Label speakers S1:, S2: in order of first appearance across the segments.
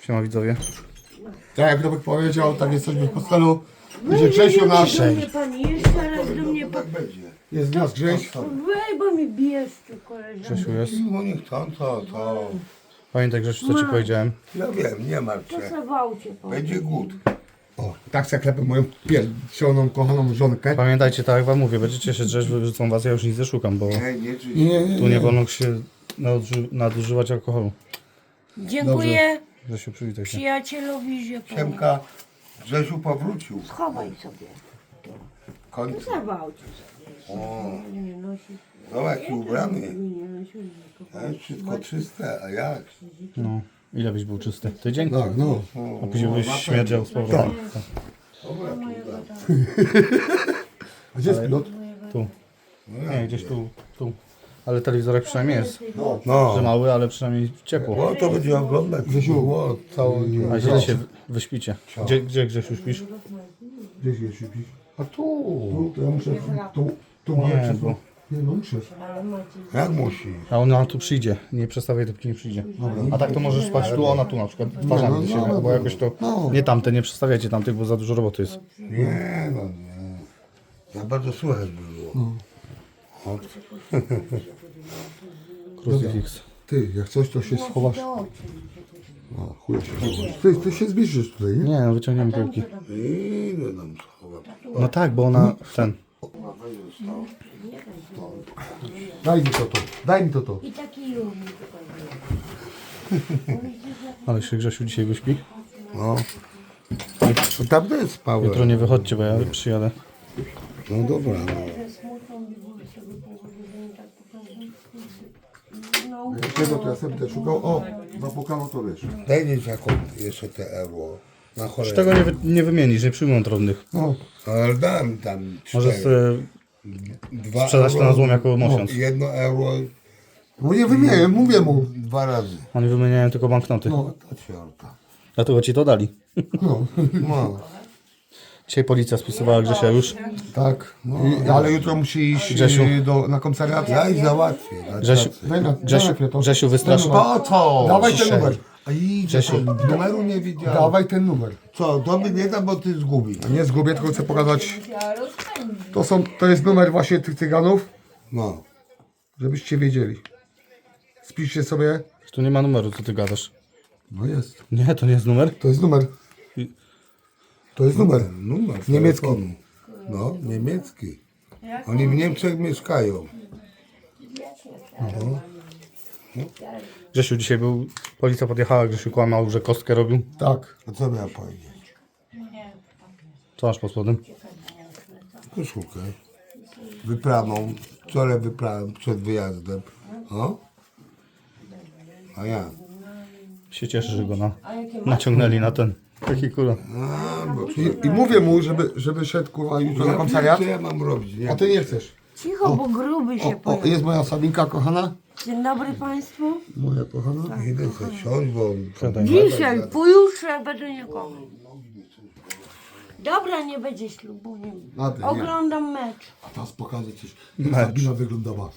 S1: Siema widzowie.
S2: Tak jak Robek powiedział, tak jesteśmy w hostelu. Będzie Grzesiu nasz.
S3: Do mnie pani, jeszcze raz do mnie pani.
S2: Jest nasz Grześ.
S3: Wej, bo mi bijesz tu koleżanko.
S1: Grzesiu jest.
S4: No niech tam, to.
S1: Pamiętaj Grzesiu, co ci powiedziałem.
S4: Ja wiem, nie martw
S3: To
S4: się.
S3: zawałcie pan.
S4: Będzie głód.
S2: O, tak se klepę moją piersioną, kochaną żonkę.
S1: Pamiętajcie, tak jak wam mówię, będziecie się drzeć, wyrzucą was, ja już nic nie szukam, bo
S4: Nie, nie,
S1: tu nie wolno się nadużywać alkoholu.
S3: Dziękuję
S1: Grzesiu, przywitaj się.
S3: przyjacielowi, że pan.
S4: Siemka, Grzesiu powrócił.
S3: Schowaj sobie.
S4: Końcu.
S3: Zawałcie.
S4: O,
S3: Nie nosi.
S4: no jaki ubrany.
S3: Nie nosi.
S4: Wszystko czyste, a jak?
S1: No, ile byś był czysty? Tydzień?
S2: Tak, no.
S1: A później byś śmierdział z powrotem.
S2: A gdzie jest pilot?
S1: Tu. Nie, gdzieś tu. Ale telewizorek przynajmniej jest. Że
S4: No,
S1: mały, ale przynajmniej ciepło.
S4: bo to będzie oglądać.
S2: Grzesiu,
S4: Całą
S1: A źle się wyśpicie. Gdzie Grzesiu śpisz?
S2: Gdzie się śpisz?
S4: A tu.
S2: Tu, to ja muszę, tu
S1: Nie,
S2: muszę.
S1: bo...
S2: Nie, no muszę.
S4: Jak musi?
S1: A ona tu przyjdzie. Nie przestawiaj, dopóki nie przyjdzie. A tak to możesz spać tu, ona tu na przykład. Twarzami do siebie, bo jakoś to... Nie tamte, nie przestawiajcie tamtych, bo za dużo roboty jest.
S4: Nie, no nie. Za bardzo słychać było. O,
S1: Crucifix.
S2: Ty, jak coś, to się schowasz. A, chuj się. Ty się zbliżysz tutaj, nie?
S1: Nie, no wyciągniemy piłki.
S4: ile nam schować?
S1: No tak, bo ona... ten...
S2: Daj mi to. Daj mi to.
S3: I taki lubi.
S1: Ale się Grzesiu dzisiaj wyśpi.
S4: No. Tam też spałem.
S1: Jutro nie wychodźcie, bo ja przyjadę.
S4: No dobra, no.
S2: Czego to ja sobie też szukał? O, zapukano to wiesz.
S4: Daj mi jaką jeszcze te euro. Na
S1: Już
S4: cholerę.
S1: tego nie wymienisz, nie przyjmą drobnych.
S2: No,
S4: Ale dam tam
S1: Możesz
S4: 4.
S1: sobie sprzedać to na złom jako miesiąc.
S4: 1 euro
S2: no nie wymienię, mówię mu.
S4: 2 razy.
S1: Oni wymieniają tylko banknoty.
S2: No,
S4: To ciorta.
S1: Dlatego ci to dali.
S2: no,
S4: No.
S1: Dzisiaj policja spisywała Grzesia już.
S2: tak. Ale jutro musi iść
S1: Grzesiu.
S2: na komisariat.
S4: Ja i załatwię. na
S1: Grzesiu,
S4: tacy.
S2: Daj na chwilę to.
S1: Grzesiu wystraszył.
S4: Po co?
S2: Dawaj ten
S1: Ciszej.
S2: numer.
S4: Grzesiu. Numeru nie widziałem.
S2: Dawaj ten numer.
S4: Co, to by nie da, bo ty zgubi.
S2: Nie zgubię, tylko chcę pokazać. To jest numer właśnie tych cyganów,
S4: No.
S2: żebyście wiedzieli. Spiszcie sobie.
S1: Tu nie ma numeru, co ty gadasz.
S2: No jest.
S1: Nie, to nie jest numer.
S2: To jest numer. To jest numer.
S4: Numer
S2: Niemiecki.
S4: telefonu. No, niemiecki. Oni w Niemczech mieszkają.
S1: Grzesiu dzisiaj był, policja podjechała, Grzesiu kłamał, że kostkę robił.
S2: Tak.
S4: A co miała powiedzieć?
S1: Co masz pod spodem?
S4: Koszulkę. Wypraną. Wczoraj wyprałem przed wyjazdem. O? A ja?
S1: Się cieszę, że go naciągnęli na ten. Taki kula.
S4: A, bo
S2: I mówię mu, żeby szedł kurwa jutro na komisariat.
S4: co ja mam robić? Nie?
S2: A ty nie chcesz.
S3: Cicho, bo gruby się
S2: O,
S3: pojawi.
S2: jest moja Sabinka kochana.
S3: Dzień dobry Państwu.
S2: Moja kochana.
S4: Idę sobie siąść, bo...
S3: Dzisiaj, pojutrze będę nikogo. Dobra, nie będzie ślubu. Nie.
S2: Nady, nie.
S3: Oglądam mecz.
S2: A teraz pokażę coś. Jak Sabina wyglądała.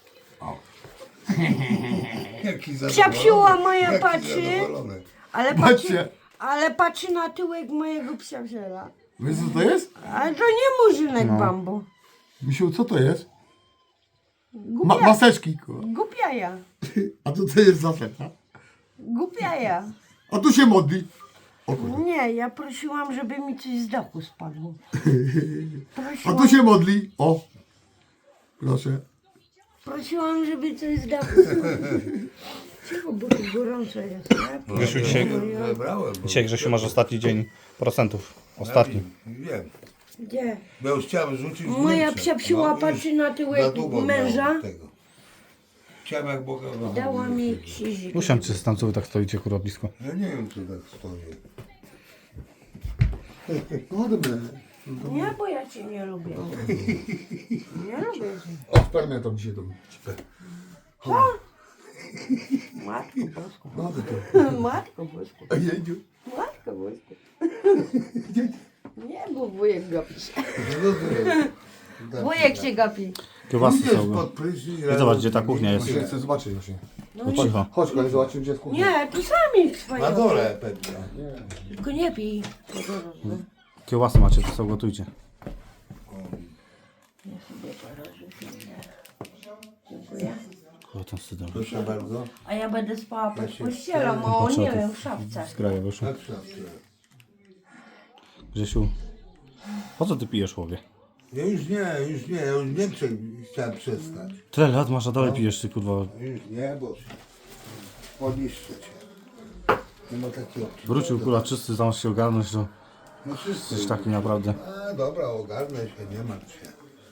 S4: Jaki
S3: Psiapsiła moja patrzy,
S4: zadowolony.
S2: Patrzcie.
S3: ale patrzy na tyłek mojego psiapsiela.
S2: Wiesz co to jest?
S3: Ale to nie murzynek bambu.
S2: Misiu, co to jest?
S3: Głupia,
S2: Maseczki, kurwa.
S3: głupiaja.
S2: A to co jest za seta?
S3: Głupiaja.
S2: A tu się modli. O kurwa.
S3: Nie, ja prosiłam, żeby mi coś z dachu spadło.
S2: A
S3: Prosiłam,
S2: tu się modli. O. Proszę.
S3: prosiłam, żeby coś z dachu spadło. Cicho, bo tu gorąco jest. nie?
S1: Grzesiu dzisiaj,
S4: Wybrałem, bo...
S1: dzisiaj Grzesiu masz ostatni dzień procentów. Ostatni.
S4: Wiem.
S3: Gdzie?
S4: Bo już chciałem rzucić w
S3: Moja
S4: Niemczech.
S3: psiapsiła
S4: już
S3: patrzy na
S4: za
S3: tyłek
S4: długo
S3: męża.
S4: miałem tego. Chciałem jak Boga
S3: Dała mi krzyżyk.
S1: Usiądźcie tam, co wy tak stoicie kurwa blisko.
S4: Ja nie wiem, czy tak stoi.
S2: No dobra.
S3: Nie, bo ja cię nie lubię. Nie lubię cię.
S2: O, spermia to dzisiaj do mnie.
S3: Matko Bosko.
S2: No to.
S3: Matko Bosko.
S2: Jedziu.
S3: Matko Bosko. Nie, bo wujek gapi się.
S4: No to
S3: Wujek się gapi.
S1: Kiełbasy
S4: Idziesz
S1: są.
S4: pod prysznic,
S1: I zobacz, gdzie ta kuchnia jest.
S2: Właśnie chcę zobaczyć właśnie.
S1: No cicho.
S2: Chodź, kolej, zobaczymy gdzie jest kuchnia.
S3: Nie, tu sami swoje.
S4: na dole Petra.
S3: Tylko nie pij.
S1: Kiełbasy macie, to sobie gotujcie.
S3: Ja sobie porażę chwilę. Dziękuję.
S1: O, ten sydę.
S4: Proszę bardzo.
S3: A ja będę spała pod pościelą, o nie wiem, w szafce.
S1: Z kraja wyszło.
S4: Tak szafkę.
S1: Grzesiu, po co ty pijesz, chłopie?
S4: Ja już nie, ja już nie chciałem przestać.
S1: Tyle lat masz, a dalej pijesz, ty kurwa.
S4: Już nie, bo poniszczę cię. Nie ma takiej opcji.
S1: Wrócił kurwa czysty, zamiast się ogarnąć, to
S4: No wszyscy.
S1: jesteś taki naprawdę.
S4: A dobra, ogarnę się, nie martw się.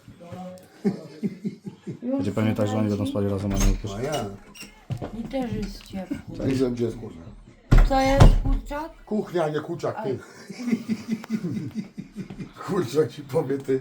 S1: Będzie pewnie tak, że oni będą spali razem, a nie
S4: No
S1: ukryć.
S4: ja.
S3: I też jest ciepło.
S2: Ja nie wiem gdzie jest kuchnia.
S3: Co jest, kurczak?
S2: Kuchnia, nie kurczak, ty. Kurczak ci powie ty.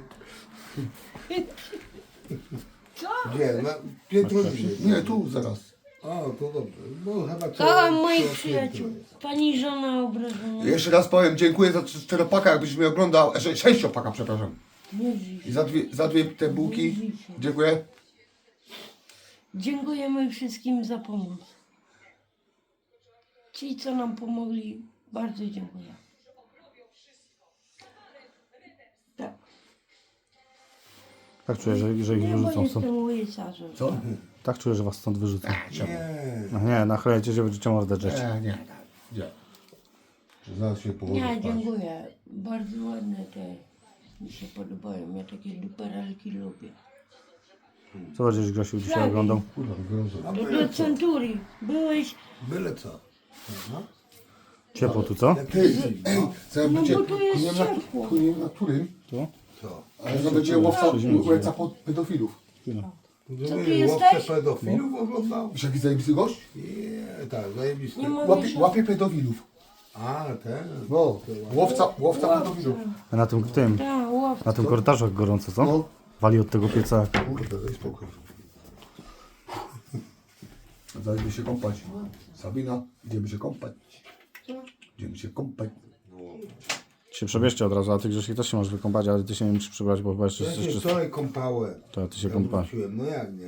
S4: Gdzie? Na Pietrulinie.
S2: Nie, tu zaraz.
S4: O, to dobrze. Bo chyba
S3: Kocham moich przyjaciół. Pani żona obrażona.
S2: Jeszcze raz powiem, dziękuję za czteropaka, jakbyś mnie oglądał, sześciopaka, przepraszam.
S3: Nie drzyj się.
S2: I za dwie te bułki. Dziękuję.
S3: Dziękujemy wszystkim za pomoc. Ci, co nam pomogli, bardzo dziękuję. Tak.
S1: Tak czuję, że ich
S3: Nie, bo
S1: wyrzucą stąd.
S3: jestem łysarzem.
S2: Co?
S1: Tak czuję, że was stąd wyrzucą.
S4: Nie.
S1: No nie, nachylajcie się, będziecie mordę drzeć.
S2: Nie. Gdzie? Zaraz się położę
S3: Nie,
S2: spać.
S3: dziękuję. Bardzo ładne te mi się podobają. Ja takie duperelki lubię.
S1: Co będziesz, Grzesiu, dzisiaj oglądał?
S2: Kurwa, gorąco.
S4: A
S3: To
S4: byle
S3: do
S4: co.
S3: Centurii. Byłeś...
S4: Byle co. No.
S1: Ciepło tu, co?
S4: Jak
S2: Ty,
S4: jest
S2: ej,
S4: zimno,
S2: co ja
S3: No
S2: będzie,
S3: bo tu jest
S2: nie wiem na,
S3: ciepło.
S2: nie wiem na którym,
S1: Tu?
S4: co?
S2: ale to będzie łowca pedofilów.
S3: Co ty
S4: Łowcę
S3: jesteś?
S4: pedofilów oglądał?
S2: Wiesz jaki zajebisty gość?
S4: Nie, tak, zajebisty.
S3: Nie mówisz,
S2: Łapie pedofilów.
S4: A, ten.
S2: No, łowca pedofilów.
S1: A na tym,
S3: tak, łowca.
S1: na tym korytarzu jak gorąco, co?
S2: No.
S1: Wali od tego pieca.
S2: Kurde, daj spokój. Zaraz się kąpać. Sabina, idziemy się kąpać. Idziemy się kąpać.
S1: Się przebierzcie od razu, a ty, Grzesiu, też się możesz wykąpać, ale ty się nie musisz przebrać, bo chyba jeszcze
S4: Ja
S1: jesteś
S4: się
S1: czysty.
S4: wczoraj kąpałem.
S1: To ty się
S4: Ja
S1: kąpałeś.
S4: wróciłem, no jak nie?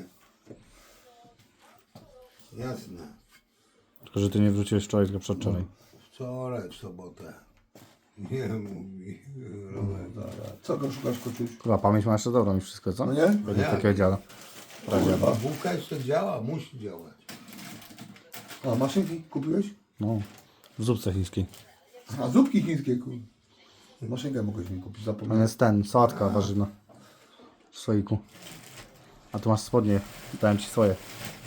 S4: Jasne.
S1: Tylko, że ty nie wróciłeś wczoraj, tylko przedwczoraj.
S4: Wczoraj, w sobotę. Nie mówi. Robert.
S2: Co go szukasz, koczuś?
S1: Chyba pamięć ma jeszcze dobrą i wszystko, co?
S2: No nie?
S1: Będzie
S4: Jak?
S1: takiego dziada.
S4: Kurwa, bułka jeszcze działa, musi działać.
S2: A, maszynki kupiłeś?
S1: No, w zupce chińskiej.
S2: A, zupki chińskie, kurde. Maszynkę mogłeś mi kupić,
S1: Tam
S2: zapomniałem.
S1: jest ten, sałatka warzywna. W słoiku. A tu masz spodnie, dałem ci swoje.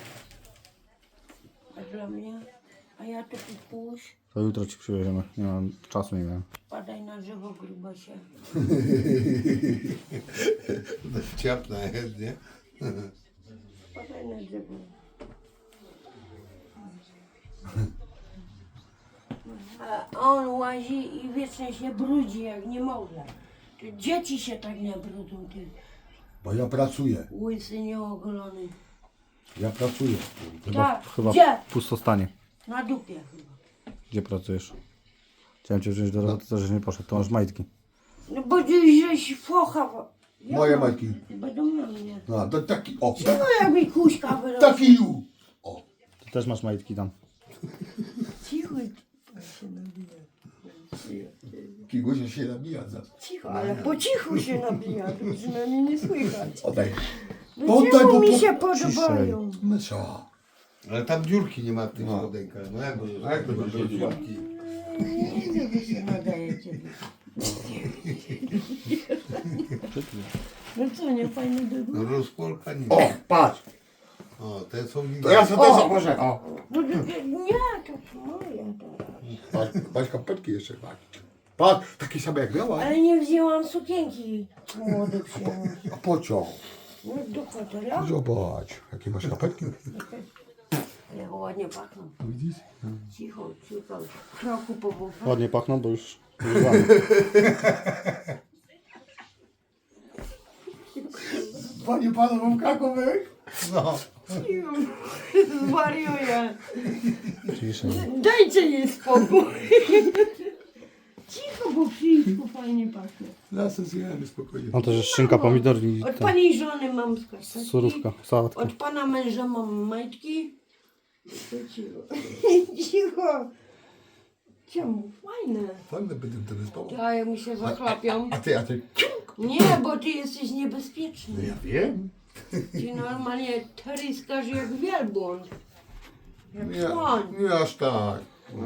S3: A dla mnie? A ja to puść.
S1: To jutro ci przywieziemy. Nie mam czasu, nie miałem.
S3: Padaj na drzewo, grubasie.
S4: Ciapna jest, nie?
S3: Padaj na drzewo. A on łazi i wiecznie się brudzi, jak nie może. To dzieci się tak nie brudzą, ty
S2: Bo ja pracuję.
S3: łysy nieogolony.
S2: Ja pracuję.
S3: Tak,
S1: Chyba
S3: gdzie?
S1: pustostanie.
S3: Na dupie chyba.
S1: Gdzie pracujesz? Chciałem cię wziąć do roboty, to żeś nie poszedł. To masz majtki.
S3: No bo dziś żeś focha. Ja
S2: Moje
S3: mam-
S2: majtki.
S3: Będą na mnie.
S2: No, to taki, o.
S3: No jak mi kuśka wyrosła.
S2: Taki ju. O.
S1: Ty też masz majtki tam.
S3: Cicho, się nabija.
S2: Taki gość się nabija za.
S3: Cicho, ale po cichu się nabija, to przynajmniej nie słychać.
S2: Oddaj.
S3: No
S2: Oddaj,
S3: czemu
S2: bo
S3: mi
S2: po-
S3: się podobają?
S2: Mysza.
S4: Ale tam dziurki nie ma w tych spodenkach. No jak to będzie dziurki?
S3: Nie widzę, wy się nadajecie. No co, nie fajny
S4: No
S3: dygór?
S4: rozporka nie
S2: O,
S4: ma.
S2: patrz.
S4: O, te są
S2: To ja sobie też założę. O.
S3: No, nie, to moje teraz.
S2: Patrz kapelki jeszcze. Patrz, takie same jak miała.
S3: Ale nie wzięłam sukienki młody przyjąć.
S2: A pociąg.
S3: No do hotela?
S2: Zobacz, jakie masz kapelki.
S3: Jak ładnie pachną.
S2: Widzisz?
S3: Cicho, cicho. Kroku po bufę.
S1: Ładnie pachną, bo już używamy.
S2: Panie panu, mam krakowych.
S4: No.
S3: Cicho, zwariuję.
S1: Ciszej.
S3: Dajcie jej spokój. Cicho, bo przyjść fajnie pachnie.
S2: Lasem zjemy spokojnie.
S1: Tam też jest szynka, pomidor i
S3: Od
S1: ten,
S3: pani żony mam skarpetki.
S1: surówka, sałatka.
S3: Od pana męża mam majtki. To cicho. Cicho. Czemu? Fajne.
S2: Fajne będę wtedy spał.
S3: A jak mi się zachlapią.
S2: A ty,
S3: Nie, bo ty jesteś niebezpieczny.
S2: Ja wiem.
S3: Ty normalnie tryskasz jak wielbłąd.
S2: Nie,
S3: słoń.
S2: nie aż tak.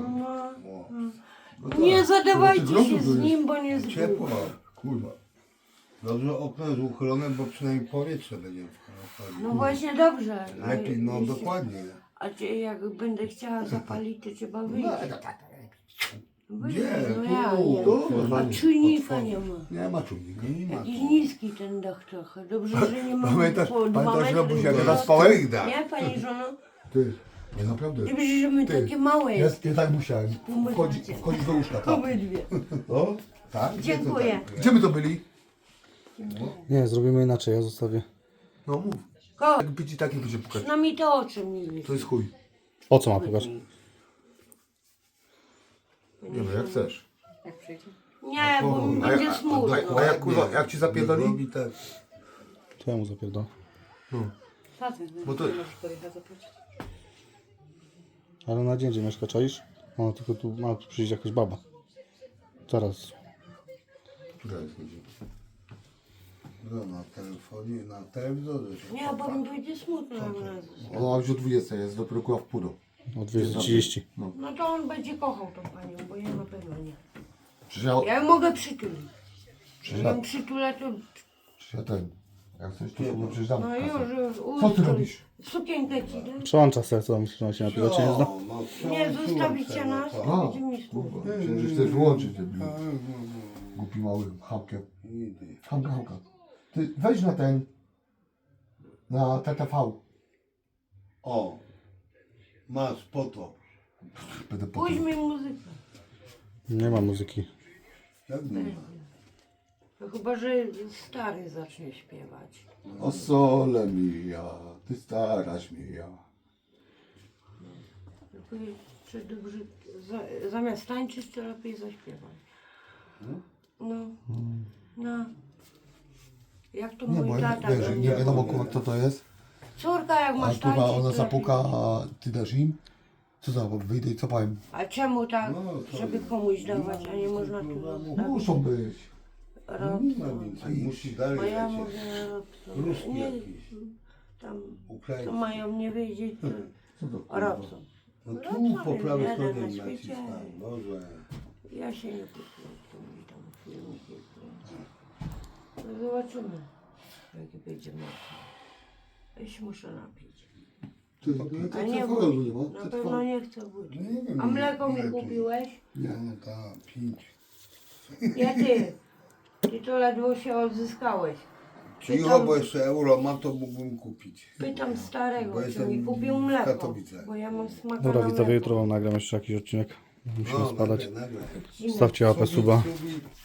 S3: Nie zadawajcie
S2: grozu
S3: się
S2: tu
S3: z
S2: jest.
S3: nim, bo nie
S4: Ciepło.
S3: zgubi.
S2: Kurwa.
S4: Dobrze okno jest uchylone, bo przynajmniej powietrze będzie wchodzić.
S3: No właśnie dobrze.
S4: Lepiej, no
S3: Jeśli-
S4: dokładnie.
S3: A czy jak będę chciała zapalić, to trzeba wyjść. Wyjść,
S4: Nie,
S3: no
S4: tu,
S3: ja nie.
S2: tu,
S3: A
S2: normalnie.
S3: czujnika nie ma.
S2: Nie ma czujnika.
S4: Nie ma.
S3: Jakiś niski ten dach trochę. Dobrze, że nie mam
S2: Pamiętasz,
S3: po 2
S2: pamiętasz Robuś, jak
S3: metry.
S2: teraz spałeś?
S3: Nie, pani żono?
S2: Ty, nie naprawdę.
S3: Dobrze, że my
S2: Ty,
S3: takie małe
S2: Ja,
S3: jest.
S2: ja tak musiałem. Wchodzić do łóżka, tak.
S3: Obydwie.
S2: No, tak?
S3: Dziękuję.
S2: Gdzie my to byli?
S1: Nie, zrobimy inaczej, ja zostawię.
S2: No mów.
S3: Ko,
S2: Jak być i taki będzie pukać.
S3: no mi to oczy mi wiesz.
S2: To jest chuj.
S1: Po co ma pokaż?
S2: Nie no, jak chcesz.
S3: Nie, bo mi
S2: A
S3: będzie
S2: jak-
S3: smutno.
S2: a jak kurwa, jak ci zapierdoli?
S4: Robi tak.
S1: To ja mu zapierdolę.
S2: Bo to...
S1: Ale na dzień, gdzie mieszka, czaisz? Ona tylko tu ma tu przyjść jakaś baba. Zaraz.
S2: Która jest godzina?
S4: No, na telefonie, na telewizorze się
S3: Nie, bo mi będzie smutno jak nas.
S2: Ona już o 20 jest, dopiero kurwa w pół.
S1: O 230.
S3: No to on będzie kochał tą panią, bo ja na pewno nie.
S2: Przecież ja...
S3: Ja ją mogę przytulić.
S2: Przecież
S3: Jak
S2: ja...
S3: ją przytulę, to...
S2: Przecież ja ten... Jak chcesz, to sobie przecież dam
S3: No
S2: kasę.
S3: już.
S2: Co ty robisz?
S3: Sukienkę ci dam.
S1: Przełącza serce, myślę, że on się napiwa, czy nie zna?
S3: Nie, zostawicie nas,
S2: A,
S3: to będzie mi smutno.
S2: kurwa. Przecież że chcesz wyłączyć ten głupi mały chamkę. Hamka. Ty weź na ten... Na TTV.
S4: O, masz po to.
S2: Będę po
S3: Puść mi muzykę.
S1: Nie ma muzyki.
S4: Jak nie ma?
S3: No chyba, że stary zacznie śpiewać.
S2: O sole mia, ty staraś mia.
S3: Tylko czy dobrze, zamiast tańczyć, to lepiej zaśpiewać. No. Jak to
S2: Nie,
S3: mój
S2: bo
S3: tata
S2: wiesz,
S3: robił.
S2: nie wiadomo kurwa kto to jest.
S3: Córka jak
S2: A
S3: masz
S2: kurwa
S3: tańczyć,
S2: ona
S3: to
S2: zapuka,
S3: lepiej.
S2: a ty dasz im? Co za, wyjdę i co powiem?
S3: A czemu tak,
S4: No, to
S3: żeby komuś dawać, a nie można tu zostawić?
S2: Muszą być.
S4: Nie ma więcej. Musi dalej
S3: Bo ja
S4: lecieć.
S3: mówię, Robson.
S4: Ruski
S3: Nie,
S4: jakiś.
S3: tam
S4: Ukraiński.
S3: to mają nie wiedzieć,
S2: Co to
S3: to
S2: kurwa?
S3: Robson.
S4: No tu
S3: Robson
S4: po
S3: jest
S4: prawej
S3: jeden
S4: stronie
S3: na świecie.
S4: naciskam. Boże.
S3: Ja się nie kupuję, to mi tam filmiki kręcą. No zobaczymy, jaki będzie mocno. Ja się muszę napić.
S2: Ty,
S3: A nie
S2: TTV
S3: wódki,
S2: nie ma?
S3: na
S2: TTV?
S3: pewno nie chcę wódki.
S4: No nie wiem,
S3: A mleko mi
S4: ile tu-
S3: kupiłeś?
S2: Nie.
S4: No tak, 5.
S3: Nie ty. Ty to ledwo się odzyskałeś.
S4: Cicho, bo jeszcze euro mam, to mógłbym kupić.
S3: Pytam starego,
S4: Bo
S3: czy
S4: jestem
S3: mi kupił
S4: w
S3: mleko.
S4: Katowicach.
S3: Bo ja mam smaka
S1: Dobra,
S3: na
S1: widzowie,
S3: mleko.
S1: jutro wam nagram jeszcze jakiś odcinek. Musimy spadać.
S4: nagle.
S1: Stawcie łapę, suba.
S4: Subi.